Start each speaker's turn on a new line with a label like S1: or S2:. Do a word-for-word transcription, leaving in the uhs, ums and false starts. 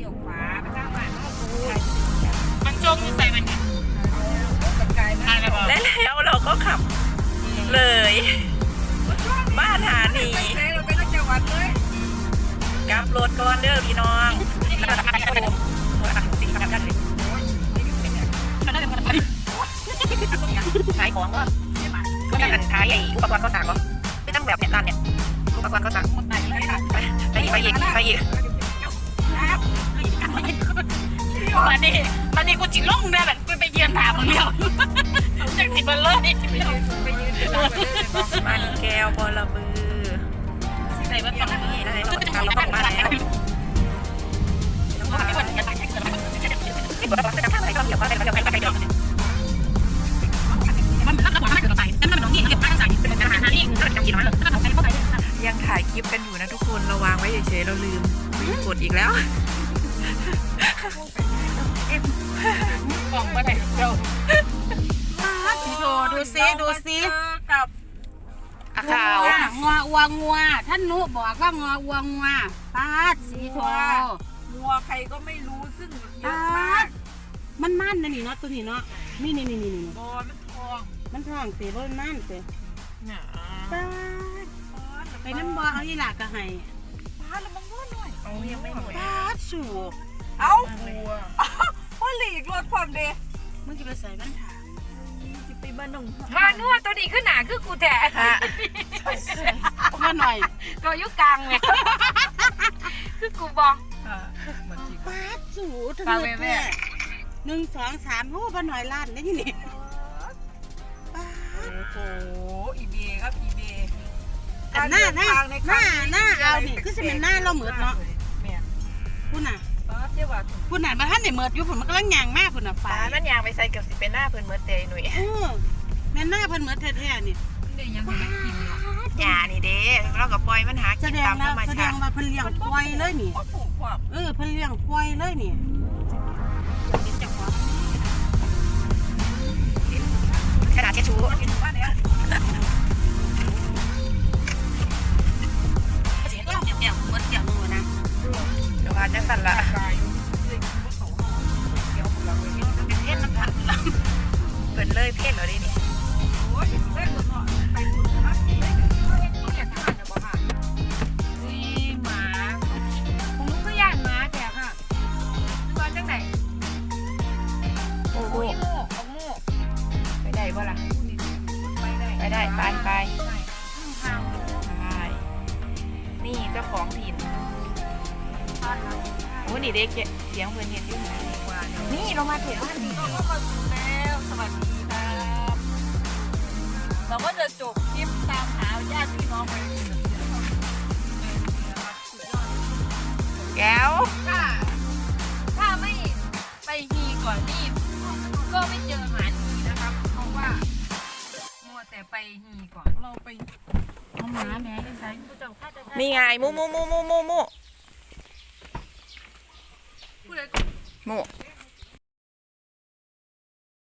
S1: กี่ยวฟ้าไปสร้างบ้านนอกดู
S2: มันจงอยู่ใส่มัน
S3: และแล้วเราก็ขับเลยบ้านหาหนี
S1: เราไปนักจังหวัดเลย
S3: กลับรถก่อนเด้อพี่น้องขายของก็ก็ได้ขายอุปกรณ์ก็สั่งก็ไม่ต้องแบบเนี่ยร้านเนี่ยอุปกรณ์ก็สั่งไปไปอีกไปอีกไปอีก
S2: มาดิมาดิกูจิล่องได้แบบกูไปเยือนถามมึงเดียวจากสิบมันเลย
S3: มันแก้วบอระบือ
S2: ใส่ว่าต้อง
S3: นี่ได้ต้องการเราต้องมาแล้วไม่ควรจะตายแค่เกินไม่ควรจะทำอะไรก็เดี๋ยวก็ได้ก็เดี๋ยวไปไปเดี๋ยว
S2: มันเป็นรับรับเกินไปแต่มันเป็นน้องนี่เก็บป้ายใส่เป็นอาหารนี่ก็จะกินน้อยเลย
S3: ยังถ่ายคลิปกันอยู่นะทุกคนเราวางไว้เฉยๆเราลืมกดอีกแล้ว
S2: กล่องมาไหนเจ้าโชว์ดูซิดูซิ
S1: กับ
S3: ขาว
S2: งัววัวงัวท่านนุบอกว่างอวัวงัวปาดสีโชว์
S1: งัวใครก็ไม่รู้ซึ่งเยอะมาก
S2: มันมันนะนี่เนาะตัวนี้เนาะนี่นี่นี่นี่นี่
S1: บอมันทอง
S2: มันทองเตะบอลนั่นเตะปาดไปน้ำบอเอาอีหลากกะไห้
S1: ปาดแล้วมันง่วงหน่อย
S3: เอายังไม่หมด
S2: ปาดสู
S1: เอาพ่อหลีกรถความเดะ
S2: มึงจะไปใส่บ้านถาม
S1: จะไปบ้านหนุ่ม
S2: มานัวตัวนี้ขึ้นหนาคือกูแท้มาหน่อยก็ยุกลางไงคือกูบอกปาดสูทั้งหมดเลยหนึ่งสองสามโอ้บ้านหน่อยล้านได้ยังไง
S1: โอ้โหอีเบครับอีเบ
S2: หน้าหน้าหน้าหน้าเอาดิคือจะเป็นหน้าเราเหมือนเนาะพูดน่ะพูดน่ะมาท่านไหนเหมือนอยู่ผมมันก็ลังยางมากพูดน่ะฟ้า
S3: มันยางไปใส่เกือบสิเป็นหน้าเพิ่นเหมือนเตยหนุ่ย
S2: แม่หน้าเพิ่นเหมือนแท้ๆนี่
S3: ยานี่เด้เราก็ปล่อยมันหากินตามธรรมชาติ
S2: แสดงว่าเพิ่นเลี้ยงควายเลยนี่เออเพิ่นเลี้ยงควายเลยนี่
S3: กระดาษเช็ดชูเดี๋ยวพาจะสั่นละเพ่นน้ำผัดเปิดเลยเพ่นเหรอดินี่
S2: หมาผมรู้ก็ย่านหมาแต่ค่ะตัวจังไหน
S3: โอ้โห
S2: โม่เอาโม่
S3: ไปได้บ่ล่ะไปได้ไปไปนี่เจ้าของถิ่นโอ้นี่เด็กเสียงเพื่อนเห็นอยู่ไหนนี่เรามาถูกบ้านนี่
S1: เราก็มาถึงแล้วสวัสดีครับเราก็จะจบคลิปตามหาญาติพี่น้องไป
S3: แก้ว
S2: ถ้าถ้าไม่ไปฮีก่อนนี่ก็ไม่เจอหมาฮีนะครับเพราะว่ามัวแต่ไปฮีก่อน
S1: เราไป
S2: เอาหมาแม่ใช้ผู้เจ้าข้าจะ
S3: นี่ไงมูมูมูมูมูมูมู